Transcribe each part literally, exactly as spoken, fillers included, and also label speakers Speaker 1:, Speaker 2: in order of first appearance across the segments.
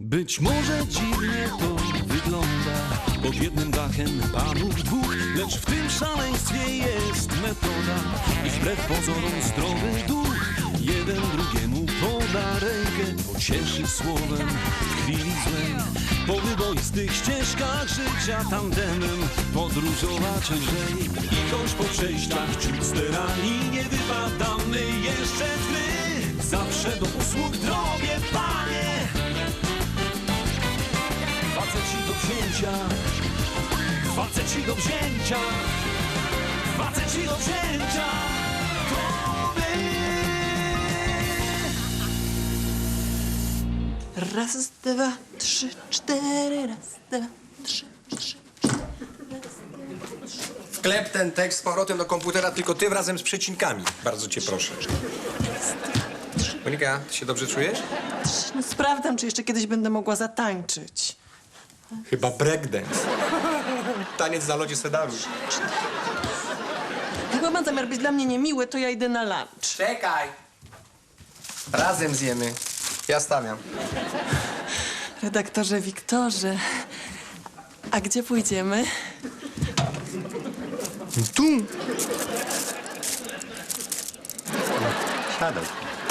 Speaker 1: Być może dziwnie to wygląda, pod jednym dachem panów dwóch, lecz w tym szaleństwie jest metoda i wbrew pozorom zdrowy duch. Jeden drugiemu poda rękę, pocieszy słowem w chwili złej. Po wyboistych ścieżkach życia tandemem podróżować lżej. I choć po przejściach ciut sterani nie wypadamy jeszcze w tmy, zawsze do usług drobie, panie. Faceci do wzięcia, faceci do wzięcia, faceci do wzięcia, to my.
Speaker 2: Raz, dwa, trzy, cztery, raz, dwa, trzy, trzy, cztery, raz, dwa, trzy.
Speaker 3: Wklep ten tekst z powrotem do komputera, tylko tym razem z przecinkami. Bardzo cię proszę. Monika, ty się dobrze czujesz?
Speaker 2: No, sprawdzam, czy jeszcze kiedyś będę mogła zatańczyć.
Speaker 3: Chyba breakdance. Taniec na lodzie Sedaru.
Speaker 2: Jak ma zamiar być dla mnie niemiły, to ja idę na lunch.
Speaker 3: Czekaj. Razem zjemy. Ja stawiam.
Speaker 2: Redaktorze Wiktorze, a gdzie pójdziemy?
Speaker 3: Tu. Siadaj.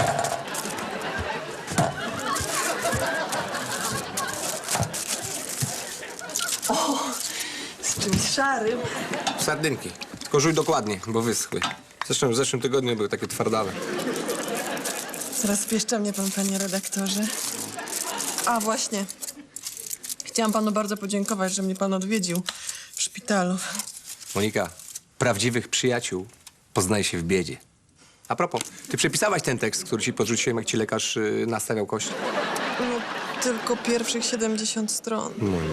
Speaker 2: Z czymś szarym.
Speaker 3: Sardynki. Tylko żuj dokładnie, bo wyschły. Zresztą w zeszłym tygodniu były takie twardawe.
Speaker 2: Rozpieszcza mnie pan, panie redaktorze. A właśnie. Chciałam panu bardzo podziękować, że mnie pan odwiedził w szpitalu.
Speaker 3: Monika, prawdziwych przyjaciół poznaje się w biedzie. A propos, ty przepisałaś ten tekst, który ci podrzuciłem, jak ci lekarz y, nastawiał kość?
Speaker 2: No, tylko pierwszych siedemdziesiąt stron.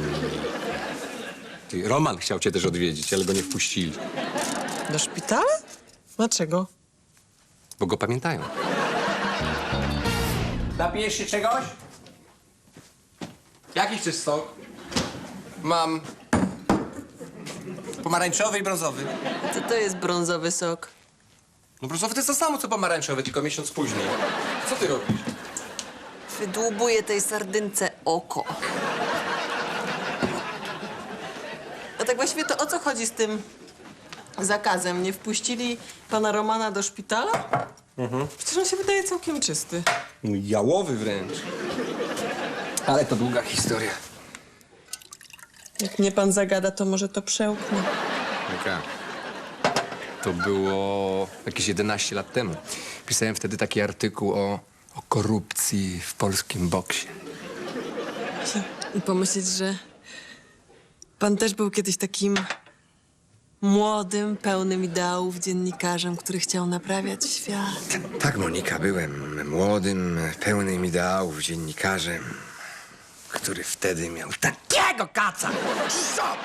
Speaker 3: Ty, Roman chciał cię też odwiedzić, ale go nie wpuścili,
Speaker 2: Do szpitala? Dlaczego?
Speaker 3: bo go pamiętają. Napijesz się czegoś? Jaki chcesz sok? Mam pomarańczowy i brązowy.
Speaker 2: Co to jest brązowy sok?
Speaker 3: No brązowy to jest to samo, co pomarańczowy, tylko miesiąc później. Co ty robisz?
Speaker 2: Wydłubuję tej sardynce oko. A tak właściwie to o co chodzi z tym zakazem? Nie wpuścili pana Romana do szpitala? Mhm. Przecież on się wydaje całkiem czysty.
Speaker 3: No, jałowy wręcz. Ale to długa historia.
Speaker 2: Jak mnie pan zagada, to może to przełknę.
Speaker 3: Jaka? To było jakieś jedenaście lat temu. Pisałem wtedy taki artykuł o, o korupcji w polskim boksie.
Speaker 2: I pomyśleć, że pan też był kiedyś takim młodym, pełnym ideałów dziennikarzem, który chciał naprawiać świat.
Speaker 3: Tak, Monika, byłem młodym, pełnym ideałów dziennikarzem, który wtedy miał takiego kaca. Co?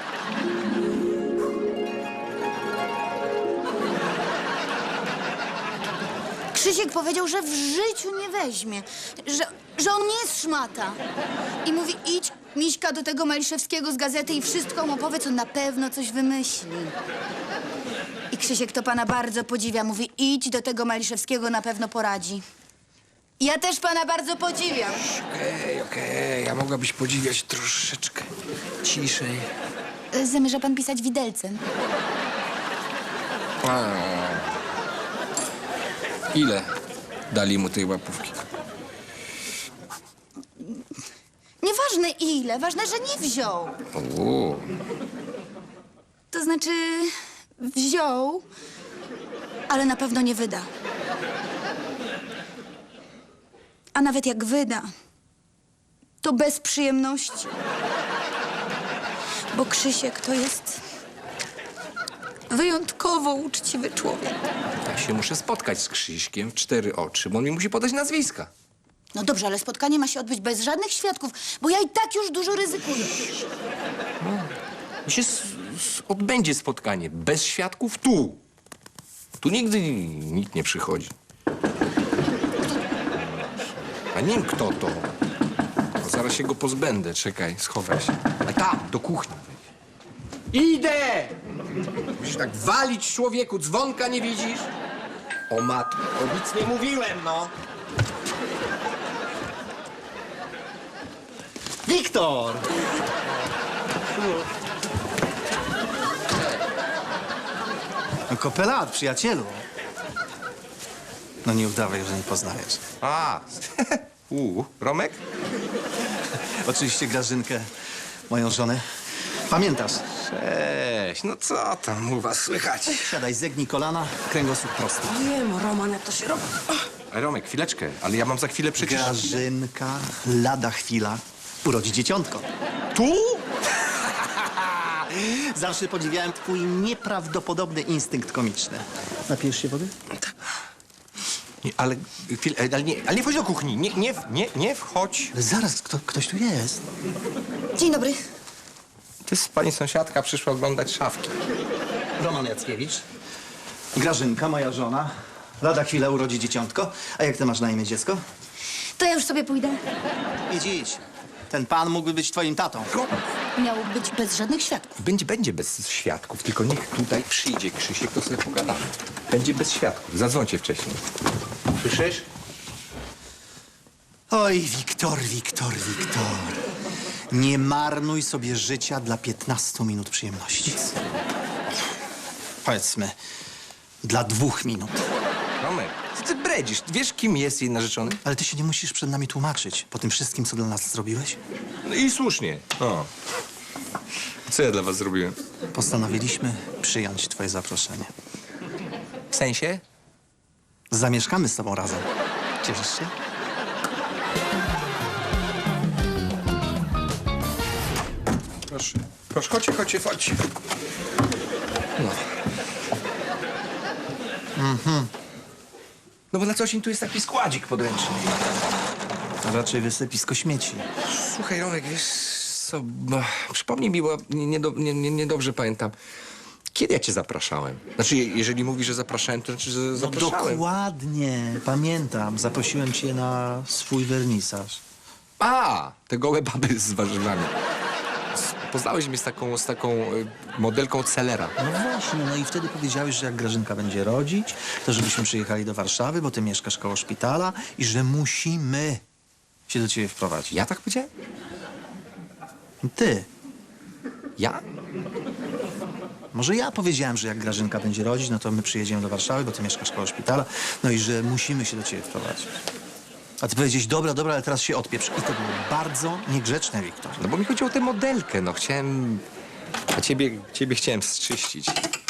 Speaker 4: Krzysiek powiedział, że w życiu nie weźmie, że, że on nie jest szmata. I mówi, idź, Miśka, do tego Maliszewskiego z gazety i wszystko mu opowiedz, on na pewno coś wymyśli. I Krzysiek to pana bardzo podziwia. Mówi, idź do tego Maliszewskiego, na pewno poradzi. Ja też pana bardzo podziwiam.
Speaker 3: Okej, okej, a mogłabyś podziwiać troszeczkę ciszej.
Speaker 4: Zamierza pan pisać widelcem?
Speaker 3: A. Ile dali mu tej łapówki?
Speaker 4: Nieważne ile, ważne, że nie wziął.
Speaker 3: O.
Speaker 4: To znaczy, wziął, ale na pewno nie wyda. A nawet jak wyda, to bez przyjemności. Bo Krzysiek to jest wyjątkowo uczciwy człowiek.
Speaker 3: Ja się muszę spotkać z Krzyśkiem w cztery oczy, bo on mi musi podać nazwiska.
Speaker 4: No dobrze, ale spotkanie ma się odbyć bez żadnych świadków, bo ja i tak już dużo ryzykuję.
Speaker 3: I się s- s- odbędzie spotkanie bez świadków tu. Tu nigdy nikt nie przychodzi. A nie wiem, kto to. No, zaraz się go pozbędę. Czekaj, schowaj się. A tam, do kuchni. Idę! Musisz tak walić człowieku, dzwonka nie widzisz? O matko, nic nie mówiłem, no.
Speaker 5: Wiktor! No, kopelat, przyjacielu. No nie udawaj, że nie poznajesz.
Speaker 3: A, u, Romek?
Speaker 5: Oczywiście Grażynkę, moją żonę. Pamiętasz?
Speaker 3: Cześć, no co tam u was słychać?
Speaker 5: Siadaj, zegnij kolana, kręgosłup prosty.
Speaker 2: Wiem, Roman, jak to się robi.
Speaker 3: A Romek, chwileczkę, ale ja mam za chwilę przecież...
Speaker 5: Grażynka, lada chwila, urodzi dzieciątko.
Speaker 3: Tu?
Speaker 5: Zawsze podziwiałem twój nieprawdopodobny instynkt komiczny. Napijesz się wody?
Speaker 3: Nie, ale, chwil, ale, nie, ale nie wchodź do kuchni, nie, nie, nie, nie wchodź.
Speaker 5: Ale zaraz, kto, ktoś tu jest.
Speaker 4: Dzień dobry.
Speaker 3: To jest pani sąsiadka, przyszła oglądać szafki.
Speaker 5: Roman Jackiewicz. Grażynka, moja żona. Lada chwila urodzi dzieciątko. A jak ty masz na imię dziecko?
Speaker 4: To ja już sobie pójdę.
Speaker 5: Idź, idź. Ten pan mógłby być twoim tatą.
Speaker 4: Miało być bez żadnych świadków.
Speaker 3: Będzie, będzie bez świadków, tylko niech tutaj przyjdzie Krzysiek, to sobie pogadamy. Będzie bez świadków, zadzwońcie wcześniej. Słyszysz?
Speaker 5: Oj, Wiktor, Wiktor, Wiktor. Nie marnuj sobie życia dla piętnastu minut przyjemności. Powiedzmy, dla dwóch minut.
Speaker 3: Romek, co ty bredzisz? Wiesz, kim jest jej narzeczony?
Speaker 5: Ale ty się nie musisz przed nami tłumaczyć po tym wszystkim, co dla nas zrobiłeś.
Speaker 3: No i słusznie. O. Co ja dla was zrobiłem?
Speaker 5: Postanowiliśmy przyjąć twoje zaproszenie.
Speaker 3: W sensie?
Speaker 5: Zamieszkamy z tobą razem. Cieszysz się?
Speaker 3: Proszę. Proszę, chodźcie, chodźcie, chodźcie. No. Mhm. No bo na coś im tu jest taki składzik podręczny.
Speaker 5: To raczej wysypisko śmieci.
Speaker 3: Słuchaj, Romek, wiesz co, bo, przypomnij mi, bo niedobrze nie, nie, niedobrze pamiętam. Kiedy ja cię zapraszałem? Znaczy, je- jeżeli mówisz, że zapraszałem, to znaczy, że
Speaker 5: No
Speaker 3: zapraszałem.
Speaker 5: dokładnie, pamiętam. Zaprosiłem cię na swój wernisaż.
Speaker 3: A, te gołe baby z warzywami. S- Poznałeś mnie z taką, z taką y, modelką Celera.
Speaker 5: No właśnie, no i wtedy powiedziałeś, że jak Grażynka będzie rodzić, to żebyśmy przyjechali do Warszawy, bo ty mieszkasz koło szpitala i że musimy się do ciebie wprowadzić.
Speaker 3: Ja tak powiedziałem?
Speaker 5: Ty.
Speaker 3: Ja?
Speaker 5: Może ja powiedziałem, że jak Grażynka będzie rodzić, no to my przyjedziemy do Warszawy, bo ty mieszkasz koło szpitala, no i że musimy się do ciebie wprowadzić. A ty powiedziałeś, dobra, dobra, ale teraz się odpieprz. I to było bardzo niegrzeczne, Wiktor.
Speaker 3: No bo mi chodziło o tę modelkę, no chciałem... A ciebie, ciebie chciałem zczyścić.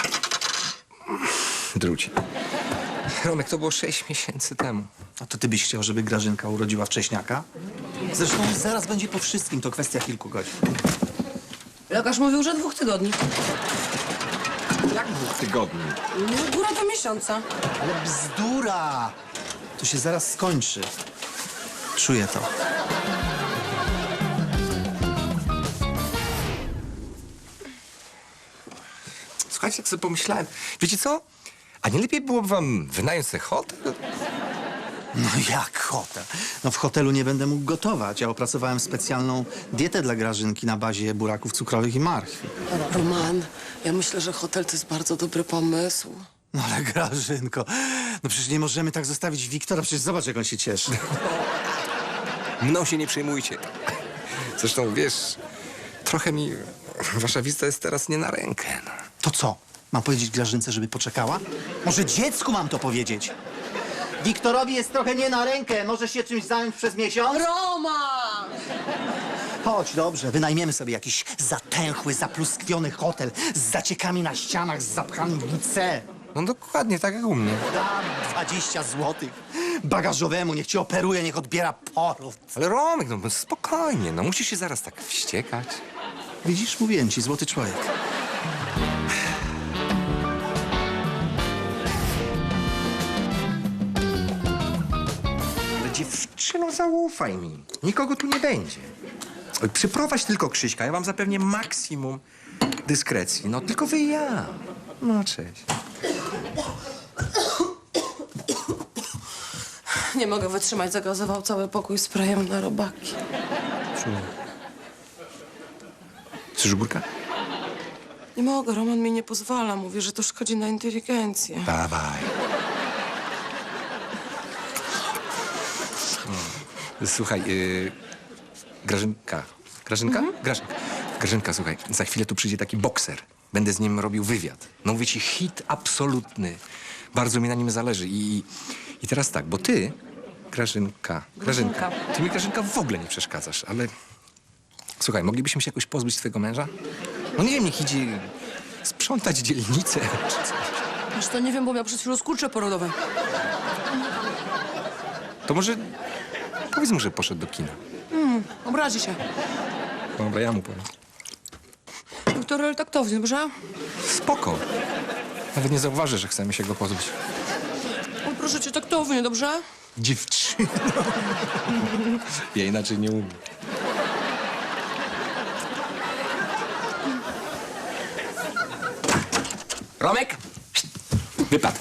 Speaker 3: Druci. Romek, to było sześć miesięcy temu.
Speaker 5: A to ty byś chciał, żeby Grażynka urodziła wcześniaka? Zresztą zaraz będzie po wszystkim, to kwestia kilku godzin.
Speaker 2: Lekarz mówił, że dwóch tygodni.
Speaker 3: Jak dwóch tygodni?
Speaker 2: No, góra do miesiąca.
Speaker 5: Ale bzdura! To się zaraz skończy. Czuję to.
Speaker 3: Słuchajcie, jak sobie pomyślałem, wiecie co? A nie lepiej byłoby wam wynająć sobie hotel?
Speaker 5: No jak hotel? No w hotelu nie będę mógł gotować. Ja opracowałem specjalną dietę dla Grażynki na bazie buraków cukrowych i marchwi.
Speaker 2: Roman, ja myślę, że hotel to jest bardzo dobry pomysł.
Speaker 5: No ale Grażynko, no przecież nie możemy tak zostawić Wiktora. Przecież zobacz, jak on się cieszy.
Speaker 3: Mną się nie przejmujcie. Zresztą, wiesz, trochę mi wasza wizyta jest teraz nie na rękę. No.
Speaker 5: To co? Mam powiedzieć Grażynce, żeby poczekała? Może dziecku mam to powiedzieć? Wiktorowi jest trochę nie na rękę. Możesz się czymś zająć przez miesiąc?
Speaker 2: Roman!
Speaker 5: Chodź, dobrze. Wynajmiemy sobie jakiś zatęchły, zapluskwiony hotel z zaciekami na ścianach, z zapchanym W C.
Speaker 3: no dokładnie, tak jak u mnie.
Speaker 5: Dam dwadzieścia złotych. Bagażowemu, niech cię operuje, niech odbiera porów.
Speaker 3: Ale Romek, no spokojnie, no musisz się zaraz tak wściekać.
Speaker 5: Widzisz, mówiłem ci, złoty człowiek.
Speaker 3: Ale dziewczyno, zaufaj mi. Nikogo tu nie będzie. Przyprowadź tylko Krzyśka, ja wam zapewnię maksimum dyskrecji. No tylko wy i ja. No cześć.
Speaker 2: Nie mogę wytrzymać, zagazował cały pokój sprayem na robaki.
Speaker 3: Chcesz górka?
Speaker 2: Nie mogę, Roman mi nie pozwala. Mówi, że to szkodzi na inteligencję.
Speaker 3: Dawaj. Słuchaj, yy, Grażynka, Grażynka? Grażynka. Grażynka, słuchaj, za chwilę tu przyjdzie taki bokser. Będę z nim robił wywiad. No mówię ci, hit absolutny. Bardzo mi na nim zależy. I, i teraz tak, bo ty, Grażynka, Grażynka, ty mi, Grażynka, w ogóle nie przeszkadzasz, ale... Słuchaj, moglibyśmy się jakoś pozbyć twojego męża? No nie wiem, niech idzie sprzątać dzielnicę. czy coś.
Speaker 6: Wiesz to nie wiem, bo miał przed chwilą skurcze porodowe.
Speaker 3: To może powiedz mu, że poszedł do kina.
Speaker 6: Obrazi się.
Speaker 3: Dobra, ja mu powiem.
Speaker 6: Wiktor, ale taktownie, dobrze?
Speaker 3: Spoko. Nawet nie zauważy, że chcemy się go pozbyć.
Speaker 6: O, proszę cię, taktownie, dobrze?
Speaker 3: Dziewczyno. Ja inaczej nie umiem. Romek! Wypad.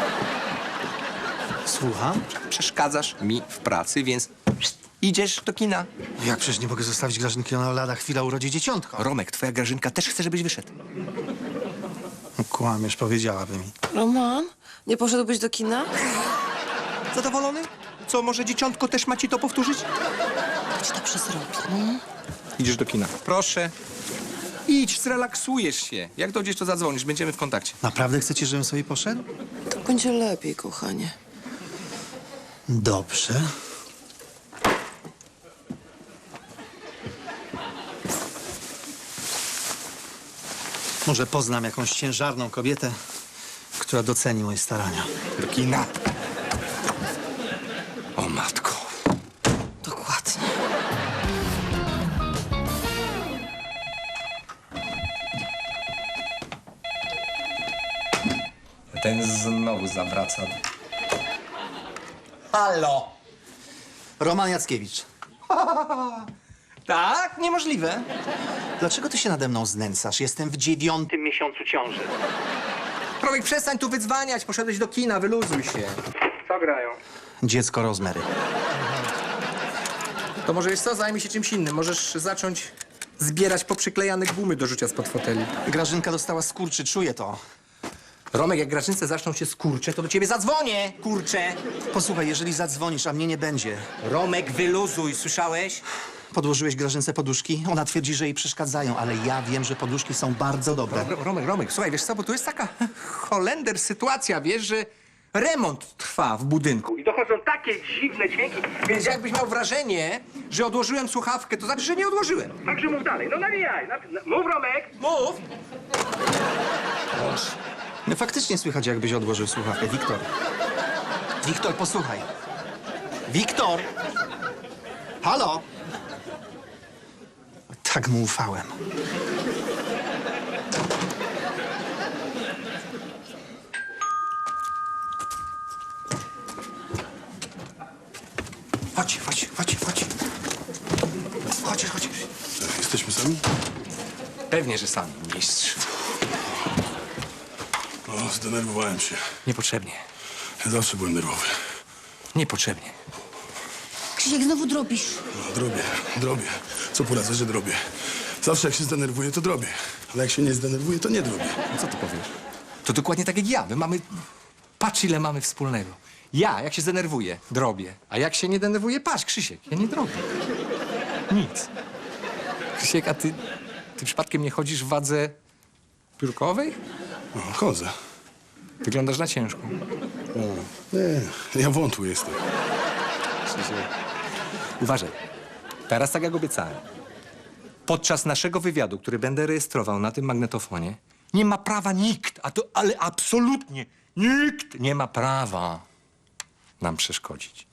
Speaker 5: Słucham?
Speaker 3: Przeszkadzasz mi w pracy, więc idziesz do kina.
Speaker 5: Jak przecież nie mogę zostawić Grażynki, ona lada chwila urodzi dzieciątko.
Speaker 3: Romek, twoja Grażynka też chce, żebyś wyszedł.
Speaker 5: No, kłamiesz, powiedziałaby mi.
Speaker 6: Roman, nie poszedłbyś do kina?
Speaker 3: Zadowolony? Co, może dzieciątko też ma ci to powtórzyć?
Speaker 6: To ci to przesrobi. No.
Speaker 3: Idziesz do kina. Proszę. Idź, zrelaksujesz się. Jak dojdziesz, to zadzwonisz, będziemy w kontakcie.
Speaker 5: Naprawdę chcecie, żebym sobie poszedł?
Speaker 6: Tak będzie lepiej, kochanie.
Speaker 5: Dobrze. Może poznam jakąś ciężarną kobietę, która doceni moje starania.
Speaker 3: Do kina. O matko.
Speaker 6: Dokładnie.
Speaker 3: Ten znowu zawraca. Halo.
Speaker 5: Roman Jackiewicz.
Speaker 3: Tak? Niemożliwe.
Speaker 5: Dlaczego ty się nade mną znęcasz? Jestem w dziewiątym miesiącu ciąży.
Speaker 3: Romek, przestań tu wydzwaniać. Poszedłeś do kina, wyluzuj się. Co grają?
Speaker 5: Dziecko Rozmery.
Speaker 3: To może jest co? Zajmij się czymś innym. Możesz zacząć zbierać poprzyklejane gumy do rzucia spod foteli.
Speaker 5: Grażynka dostała skurczy, czuję to.
Speaker 3: Romek, jak Grażynce zaczną się skurcze, to do ciebie zadzwonię, kurcze.
Speaker 5: Posłuchaj, jeżeli zadzwonisz, a mnie nie będzie,
Speaker 3: Romek, wyluzuj, słyszałeś?
Speaker 5: podłożyłeś Grażynce poduszki? Ona twierdzi, że jej przeszkadzają, ale ja wiem, że poduszki są bardzo dobre.
Speaker 3: Ro- Romek, Romek, słuchaj, wiesz co, bo tu jest taka holender sytuacja, wiesz, że remont trwa w budynku i dochodzą takie dziwne dźwięki, więc jakbyś miał wrażenie, że odłożyłem słuchawkę, to znaczy, że nie odłożyłem. Także mów dalej, no nawijaj, naw- mów, Romek, mów!
Speaker 5: No faktycznie słychać, jakbyś odłożył słuchawkę. Wiktor. Wiktor, posłuchaj. Wiktor! Halo? Tak mu ufałem.
Speaker 3: Chodź, chodź, chodź, chodź. Chodź, chodź.
Speaker 7: Jesteśmy sami?
Speaker 3: Pewnie, że sami, mistrz.
Speaker 7: O, zdenerwowałem się.
Speaker 3: Niepotrzebnie,
Speaker 7: Ja zawsze byłem nerwowy.
Speaker 3: niepotrzebnie.
Speaker 4: Krzysiek, znowu drobisz.
Speaker 7: No, drobię, drobię. Co poradzę, że drobię. Zawsze jak się zdenerwuję, to drobię. Ale jak się nie zdenerwuję, to nie drobię.
Speaker 3: No co ty powiesz? To dokładnie tak jak ja. My mamy... Patrz, ile mamy wspólnego. Ja, jak się zdenerwuję, drobię. A jak się nie denerwuję, patrz, Krzysiek, ja nie drobię. Nic. Krzysiek, a ty... Ty przypadkiem nie chodzisz w wadze piórkowej?
Speaker 7: No, chodzę.
Speaker 3: Wyglądasz na ciężką.
Speaker 7: Nie, ja wątły jestem.
Speaker 3: Krzysiek. Uważaj. Teraz tak jak obiecałem. Podczas naszego wywiadu, który będę rejestrował na tym magnetofonie, nie ma prawa nikt, a to, ale absolutnie nikt nie ma prawa nam przeszkodzić.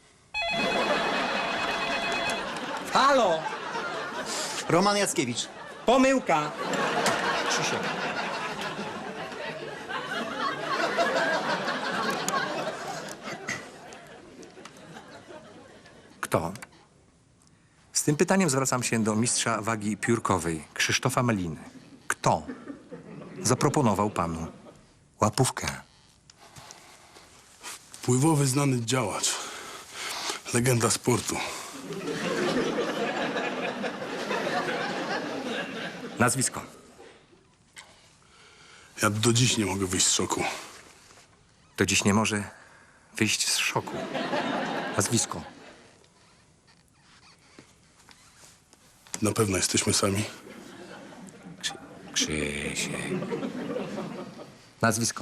Speaker 3: Halo!
Speaker 5: Roman Jackiewicz.
Speaker 3: Pomyłka! Krzysiek. Kto? Z tym pytaniem zwracam się do mistrza wagi piórkowej, Krzysztofa Meliny. Kto zaproponował panu łapówkę?
Speaker 7: Wpływowy, znany działacz. Legenda sportu.
Speaker 3: Nazwisko.
Speaker 7: Ja do dziś nie mogę wyjść z szoku.
Speaker 3: Do dziś nie może wyjść z szoku. Nazwisko.
Speaker 7: Na pewno jesteśmy sami.
Speaker 3: Krzysiek. Nazwisko.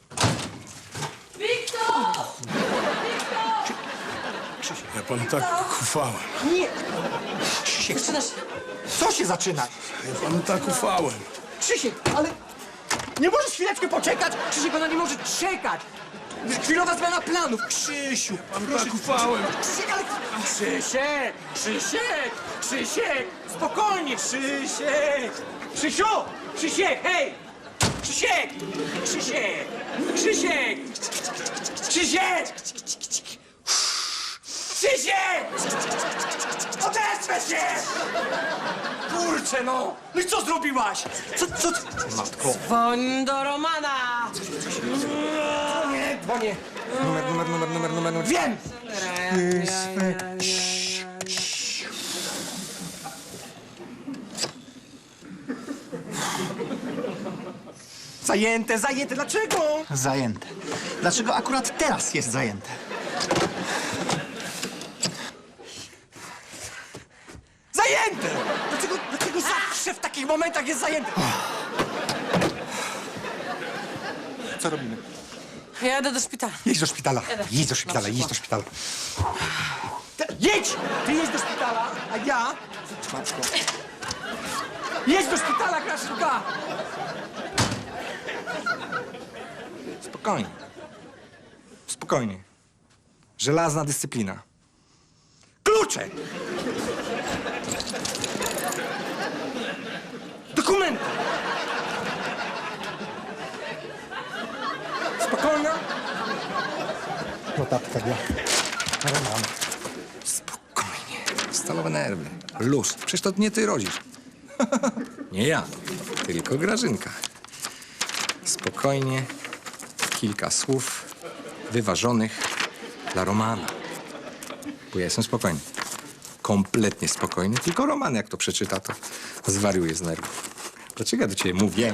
Speaker 7: Ja panu tak ufałem.
Speaker 5: Krzysiek, co się zaczyna?
Speaker 7: Ja panu tak ufałem.
Speaker 5: Krzysiek, ale nie możesz chwileczkę poczekać? Krzysiek, ona nie może czekać. Chwilowa zmiana planów. Krzysiu,
Speaker 7: Panu tak ufałem.
Speaker 5: Krzysiek, ale... Krzysiek, Krzysiek, Krzysiek, spokojnie, Krzysiek. Krzysiu, Krzysiek, hej! Krzysiek, Krzysiek, Krzysiek, Krzysiek! Krzysiek! Odezwę się! Kurczę, no! No i co zrobiłaś? Co, co ty... Matko.
Speaker 6: Dzwoń do Romana!
Speaker 5: Nie, dzwonię. Numer, numer, numer, numer, numer, numer. Wiem! Zajęte, zajęte. Dlaczego? Zajęte. Dlaczego akurat teraz jest zajęte? Zajęte! Dlaczego, dlaczego zawsze w takich momentach jest zajęte? Co robimy?
Speaker 6: Ja jadę do szpitala.
Speaker 5: Jedź do szpitala. Jedź do szpitala, jedź do szpitala. Te, jedź! Ty jedź do szpitala, a ja... Matko. Jedź do szpitala, Kraszulka!
Speaker 3: Spokojnie. Spokojnie. Żelazna dyscyplina.
Speaker 5: Klucze! Dokumenty! Spokojna? Notatka dla Romana.
Speaker 3: Spokojnie. Stalowe nerwy. Luz. Przecież to nie ty rodzisz. Nie ja, tylko Grażynka. Spokojnie. Kilka słów wyważonych dla Romana. Bo ja jestem spokojny. Kompletnie spokojny. Tylko Roman, jak to przeczyta, to zwariuje z nerwów. Dlaczego ja do ciebie mówię?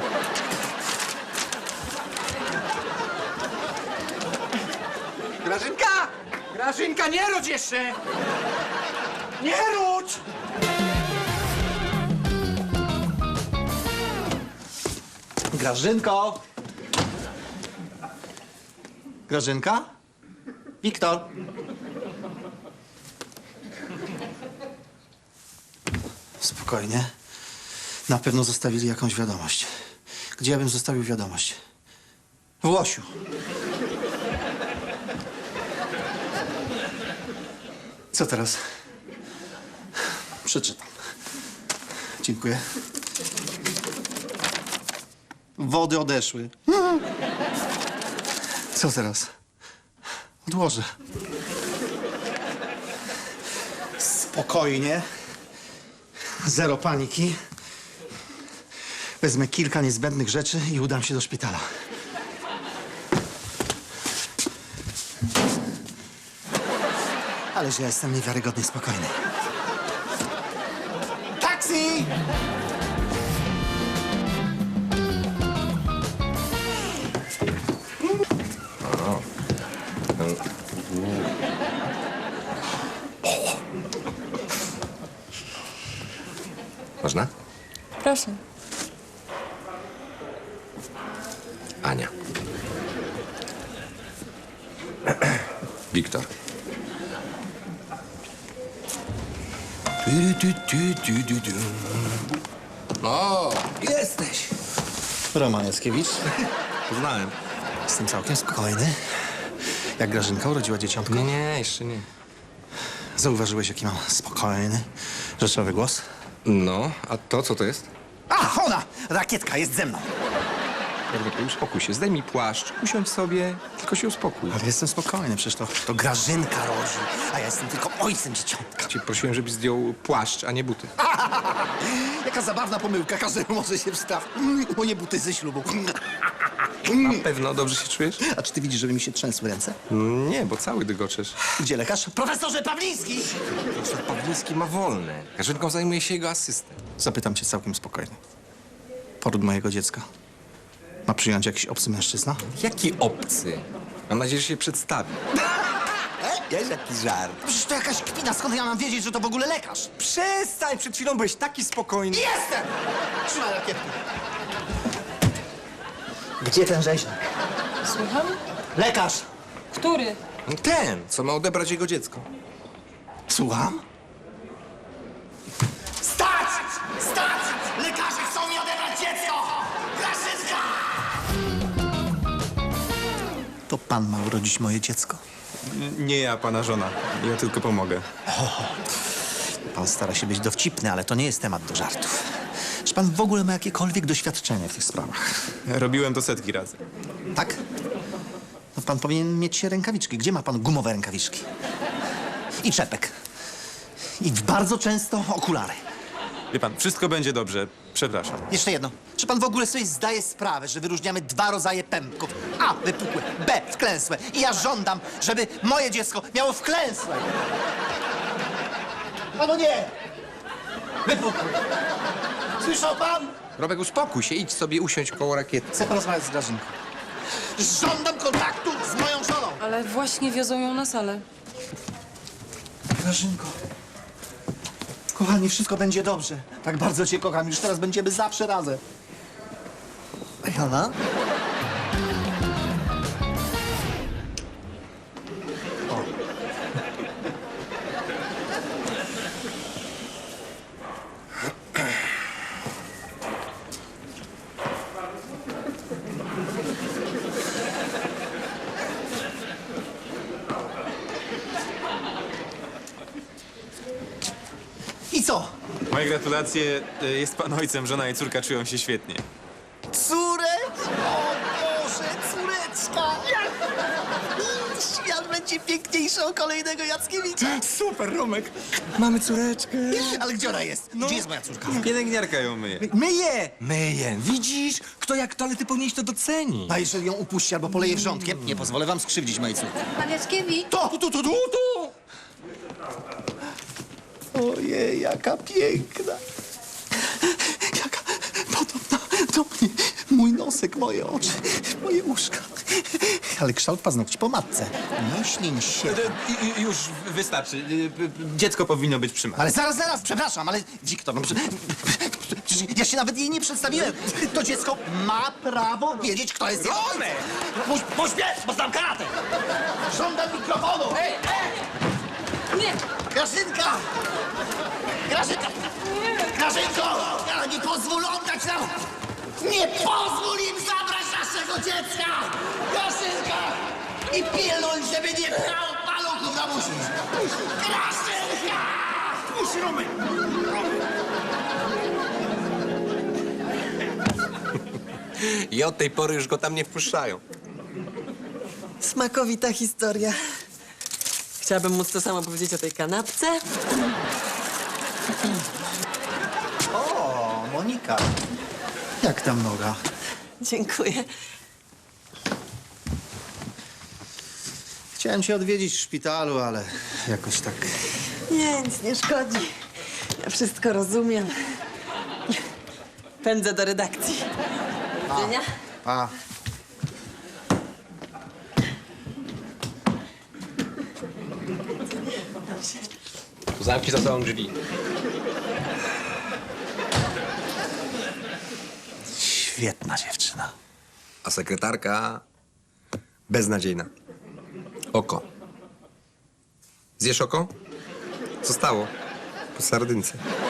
Speaker 5: Grażynka! Grażynka, nie rodź jeszcze! Nie rodź! Grażynko! Grażynka? Wiktor? Spokojnie. Na pewno zostawili jakąś wiadomość. Gdzie ja bym zostawił wiadomość? W Łosiu. Co teraz? Przeczytam. Dziękuję. Wody odeszły. Co teraz? Odłożę. Spokojnie. Zero paniki. Wezmę kilka niezbędnych rzeczy i udam się do szpitala. Ależ ja jestem niewiarygodnie spokojny. Taksi!
Speaker 3: Można?
Speaker 6: Proszę.
Speaker 3: Ania. Wiktor. O, jesteś.
Speaker 5: Roman Jackiewicz.
Speaker 3: Poznałem.
Speaker 5: Jestem całkiem spokojny. Jak Grażynka urodziła dzieciątko.
Speaker 3: Nie, nie, jeszcze nie.
Speaker 5: Zauważyłeś, jaki mam spokojny, rzeczowy głos?
Speaker 3: No, a to co to jest?
Speaker 5: A, ona! Rakietka jest ze mną.
Speaker 3: Jarek, uspokój się, zdejmij płaszcz, usiądź sobie, tylko się uspokój.
Speaker 5: Ale jestem spokojny, przecież to, to Grażynka rodzi, a ja jestem tylko ojcem dzieciątka.
Speaker 3: Cię prosiłem, żebyś zdjął płaszcz, a nie buty.
Speaker 5: Jaka zabawna pomyłka, każdemu może się wstaw. Moje buty ze ślubu.
Speaker 3: Na pewno dobrze się czujesz?
Speaker 5: A czy ty widzisz, żeby mi się trzęsły ręce?
Speaker 3: Nie, bo cały dygoczesz.
Speaker 5: Gdzie lekarz? Profesorze Pawliński!
Speaker 3: Profesor Pawliński ma wolne. Grażynką zajmuje się jego asystent.
Speaker 5: Zapytam cię całkiem spokojnie. Poród mojego dziecka ma przyjąć jakiś obcy mężczyzna?
Speaker 3: Jaki obcy? Mam nadzieję, że się przedstawi.
Speaker 8: Wiesz, jaki żart.
Speaker 5: Przecież to jakaś kpina, skąd ja mam wiedzieć, że to w ogóle lekarz?
Speaker 8: Przestań, przed chwilą byłeś taki spokojny.
Speaker 5: Jestem! Trzymaj rakietkę. Gdzie ten rzeźnik?
Speaker 6: Słucham?
Speaker 5: Lekarz!
Speaker 6: Który?
Speaker 3: Ten, co ma odebrać jego dziecko.
Speaker 5: Słucham?
Speaker 9: Stać! Stać! Lekarze chcą mi odebrać dziecko! Grażynka!
Speaker 5: To pan ma urodzić moje dziecko.
Speaker 8: Nie ja, pana żona. Ja tylko pomogę.
Speaker 5: Pan stara się być dowcipny, ale to nie jest temat do żartów. Czy pan w ogóle ma jakiekolwiek doświadczenie w tych sprawach?
Speaker 8: Robiłem to setki razy.
Speaker 5: Tak? No pan powinien mieć rękawiczki. Gdzie ma pan gumowe rękawiczki? I czepek. I bardzo często okulary.
Speaker 8: Wie pan, wszystko będzie dobrze. Przepraszam.
Speaker 5: Jeszcze jedno. Czy pan w ogóle sobie zdaje sprawę, że wyróżniamy dwa rodzaje pępków? A, wypukłe, B, wklęsłe. I ja żądam, żeby moje dziecko miało wklęsłe. Panu nie! Wypukłe. Słyszał pan?
Speaker 3: Robek, uspokój się, idź sobie usiądź koło rakiety.
Speaker 5: Chcę porozmawiać z Grażynką. Żądam kontaktu z moją żoną.
Speaker 6: Ale właśnie wiozą ją na salę.
Speaker 5: Grażynko. Kochani, wszystko będzie dobrze. Tak bardzo cię kocham. Już teraz będziemy zawsze razem. Jana? I co?
Speaker 8: Moje gratulacje. Y, Jest pan ojcem, żona i córka czują się świetnie.
Speaker 5: Córeczka! O Boże, córeczka! Świat będzie piękniejszy o kolejnego Jackiewicza.
Speaker 8: Super, Romek. Mamy córeczkę.
Speaker 5: Ale gdzie ona jest? Gdzie jest moja córka?
Speaker 8: Pielęgniarka ją myje.
Speaker 3: Myję! Myję. Widzisz? Kto jak to, ale ty powinieneś to docenić.
Speaker 5: A jeżeli ją upuści albo poleje wrzątkiem, nie pozwolę wam skrzywdzić mojej córki.
Speaker 4: Pan Jackiewicz?
Speaker 5: To, tu, tu, tu, tu! Ojej, jaka piękna. Jaka podobna do mnie. Mój nosek, moje oczy, moje uszka. Ale kształt paznokci po matce. Nie ślin się.
Speaker 8: Y, y, Już wystarczy. Y, y, Dziecko powinno być przy matce.
Speaker 5: Ale zaraz, zaraz, przepraszam, ale Wiktor, no, prze- przecież ja się nawet jej nie przedstawiłem. To dziecko ma prawo wiedzieć, kto jest jego ojcem.
Speaker 9: Puść, puść mnie, bo znam karate! Żądam mikrofonu! Ej,
Speaker 6: Nie!
Speaker 9: Grażynka! Grażynka! Grażynko! Ja nie pozwól oddać nam! Nie pozwól im zabrać naszego dziecka! Grażynka! I pilnuj, żeby nie brał paluchów na musi! Grażynka! Puść, Romek!
Speaker 3: I od tej pory już go tam nie wpuszczają.
Speaker 2: Smakowita historia. Chciałabym móc to samo powiedzieć o tej kanapce.
Speaker 5: O, Monika. Jak tam noga?
Speaker 2: Dziękuję.
Speaker 5: Chciałem cię odwiedzić w szpitalu, ale jakoś tak...
Speaker 2: Nie, nic nie szkodzi. Ja wszystko rozumiem. Pędzę do redakcji. Do widzenia.
Speaker 5: A,
Speaker 3: Zamknij za sobą drzwi.
Speaker 5: świetna dziewczyna.
Speaker 3: A sekretarka beznadziejna. Oko. Zjesz oko? Co stało? Po sardynce.